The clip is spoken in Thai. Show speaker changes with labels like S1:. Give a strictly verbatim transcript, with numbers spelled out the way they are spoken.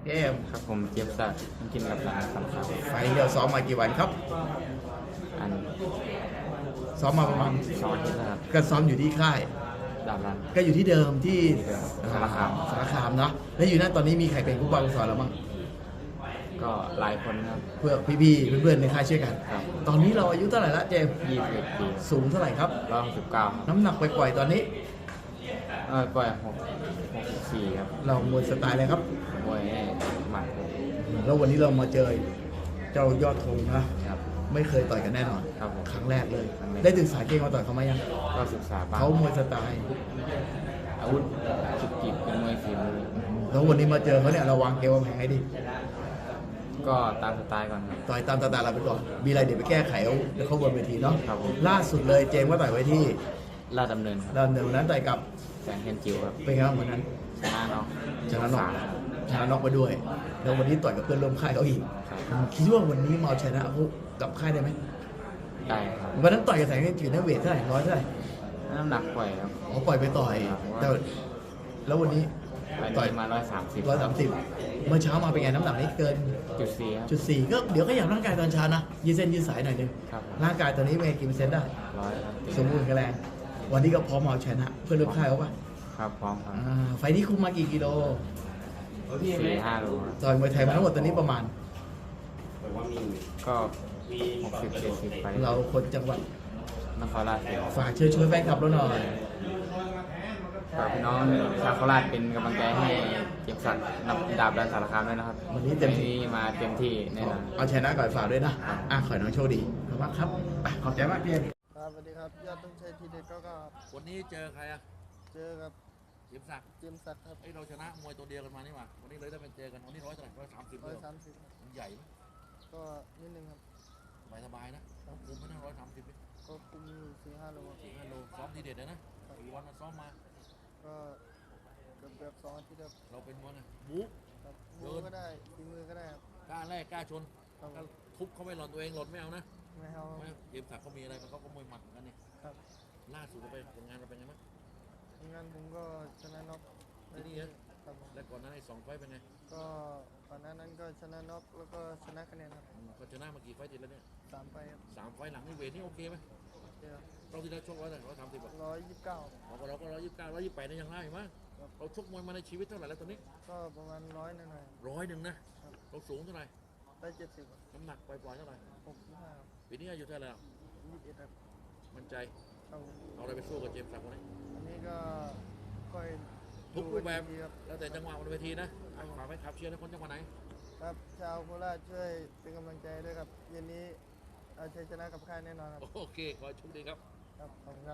S1: เกม
S2: ครับผมเจี๊ยบสักดิ์กินกับหลานสำคัญ
S1: ไฟล์เราซ้อมมากี่วันครับ
S2: อัน
S1: ซ้อมมาประมาณ
S2: สองอาทิตย์นะครับ
S1: ก็ซ้อมอยู่ที่ค่าย
S2: ดาบรัน
S1: ก็อยู่ที่เดิมที่
S2: สารคาม
S1: สารคามเนาะแล้วอยู่นั่นตอนนี้มีใครเป็นผู้บังสอนเราบ้าง
S2: ก็หลายคนครับ
S1: เพื่อพี่ๆเพื่อนๆในค่ายช่วยกัน
S2: ครับ
S1: ตอนนี้เราอายุเท่าไหร่ละเจมส์
S2: ยี่สิบเอ็ดปี
S1: สูงเท่าไหร่ครับ
S2: ร้อยหกสิบเก้า
S1: น้ำหนักปล่อยๆตอนนี้
S2: เออปล่อยหกหกสิบสี่ครับ
S1: เรามวยสไตล์อะไรครับ
S2: มวยหมัดครับ
S1: แล้ววันนี้เรามาเจอเจ้ายอดธงนะครับ ไม่เคยต่อยกันแน่นอน
S2: ครับผม
S1: ครั้งแรกเลย
S2: ครั้งแรก
S1: ได้ศึกษาเกมมาต่อยเขาไหมยัง
S2: ก็ศึกษาบ้าง
S1: เขามวยสไตล์
S2: อาวุธจุกจิกเป็นมวยฝีมือ
S1: แล้ววันนี้มาเจอเขาเนี่ยเราวางเกมวางแผนให้ดี
S2: ก็ตามสไตล์ก่อนครับ
S1: ต่อยตามสไตล์เราไปก่อนมีอะไรเดี๋ยวไปแก้ไขเอาแล้วเขาบนเวทีเนาะ
S2: ครับผม
S1: ล่าสุดเลยเจมส์ก็ต่อยไว้ที่
S2: ลาดดำเนินครับ
S1: เราเดินวันนั้นต่อยกับ
S2: แสงเทียนจิ๋วครับ
S1: เป็นไงบ้างวันนั้น
S2: ชนะน้อง
S1: ชนะน็อก
S2: สาม
S1: ชนะน็อกไปด้วย แล้ววันนี้ต่อยกับเพื่อนร่วมค่ายเขาอีก
S2: ครับ
S1: คิดว่าวันนี้มาเอาชนะเขากับค่ายได้ไหม
S2: ได้ครับ
S1: วันนั้นต่อยกับแสงเทียนจิ๋วเนี่ยเวทเท่าไหร่ร้อยเท่าไหร่
S2: น้ำหนักปล่อยครับ
S1: เขาปล่อยไปต่อย
S2: ครับ
S1: แต่แล้ววันนี้
S2: ไป
S1: ต่อย
S2: นี้มาร้อยสามสิบ
S1: ร้อยสามสิบเมื่อเช้ามาเป็นไงน้ำหนักนี้เกิน
S2: จุดสี่ครับ
S1: จุดสี่ก็เดี๋ยวก็อยากร่างกายตอนเช้านะยืดเส้นยืดสายหน่อยนึง
S2: ครับ
S1: ร่างกายตอนนี้เป็นไงกี่เปอร์เซ็นต์ได้
S2: ร้อยครับ
S1: สมบูรณ์แข็งแรงวันนี้ก็พร้อมเอาชนะเพื่อนร่วมค่ายเขาปะ
S2: ครับพร้อมครับ
S1: อ่าไฟล์นี้คุมมากี่กิโล
S2: สี่ห้าโลครับ
S1: ต่อยมวยไทยมาทั้งหมดตอนนี้ประมาณ
S2: ก็หกสิบเจ็ดสิบไป
S1: เราคนจังหวัด
S2: นครราชสีมา
S1: ฝากเชิญชวนแฟนคลับเราหน่อย
S2: ฝากพี่น้องชาวโคราชเป็นกำลังใจให้เก็บสัตว์นับดาบดันสารคามด้วยนะครับ
S1: วันนี้เต็มที่
S2: วันนี้มาเต็มที่แน่นอน
S1: เอาชนะก่อนฝากด้วยนะอ่ะขอให้น้องโชคดีขอบคุณครับไปขอบใจมากพี่
S3: ครับสวัสดีครับยอดต้องใช้ทีเด็ดก็ก็
S4: วันนี้เจอใครอะ
S3: เจอกับ
S4: เจียมศักดิ์
S3: เจมส์ศักดิ์ครับ
S4: เอ้ยเราชนะมวยตัวเดียวกันมานี่หว่าวันนี้เลยได้เป็นเจอกันวันนี้ร้อยเท่าไหร่ร้อยสามสิบ
S3: ร้
S4: เล
S3: อย
S4: ยเหรอ
S3: สามสิบ
S4: มันใหญ่ไหม
S3: ก็นิดนึงครับ
S4: สบายสบายๆนะคุมไม่นั่งร้อยสามสิบ
S3: ก็คุมอยู่สี่ห้าโลครับ
S4: สี่ห้าโลซ้อมทีเด็ดเลยนะกี่วันมาซ้อมมา
S3: ก็เกือบเกือบสองอาทิตย์ครับ
S4: เราเป็นมวยไงบู๊
S3: ครับ
S4: เดิ
S3: มื
S4: น
S3: อก็ได้ฝีมือก็ได้ครับ
S4: กล้าแรกกล้าชน
S3: ครับ
S4: ก็ทุบเขาไม่หล่อนตัวเองหล่นไม่เอานะ
S3: ไม่เอา
S4: ไม่เจียมศักดิ์เขามีอะไรมันเขาก็มวยหมัดเหมือนกันนี่
S3: ครับ
S4: ล่าสุดเราไปผลงานเราเป็นไงบ้าง
S3: งั้นผมก็ชนะน็อก
S4: ที่นี่เหรอ
S3: ครับผม
S4: และก่อนหนั้นไอ้สองไฟต์เป็นไง
S3: ก็ก่อนหน้านั้นก็ชนะน็อกแล้วก็ชนะคะแนนครับ
S4: อืมเขาชนะมากี่ไฟต์ติดแล้วเนี่ย
S3: สามไปครับ
S4: สามไฟต์หลังนี่เวทนี่โอเคไหม
S3: เจอ
S4: เราที่ได้ชกร้อยเท่าไหร่ร้อยสามสิบอะ
S3: ร้อยยี่สิบเก้า
S4: เราก็เราก็ร้อยยี่สิบเก้าร้อยยี่สิบแปดนี่ยังได้อยู่มั้งเราชกมวยมาในชีวิตเท่าไหร่แล้วตอนนี้
S3: ก็ประมาณร้อยหน่อย
S4: ร้อยหนึ่งนะ
S3: ๆครับ
S4: เราสูงเท่าไหร่
S3: ได้เจ็ดสิบ
S4: น้ำหนักปล่อยๆเท่าไหร่
S3: หกสิบห้า
S4: ปีนี้อายุเท่าไหร่แล้ว
S3: ยี่สิบเอ็ดครับ
S4: มั่นใจ
S3: ครับผม
S4: เอาอะไรไปสู้กับเจมส์ศักดิ์คนนี้
S3: อันนี้ก็ค่อย
S4: ทุกรูปแบบ
S3: ดูอีกทีครับ
S4: แล้วแต่จังหวะบนเวทีนะอ่ะฝากไว้ขับเชียร์นะคนจังหวัดไหน
S3: ครับชาวโคราชช่วยเป็นกำลังใจด้วยครับเย็นนี้เอาชัยชนะกับค่ายแน่นอนครับ
S4: โอเค ขอให้โชคดีครับ
S3: ครับขอบคุณครับ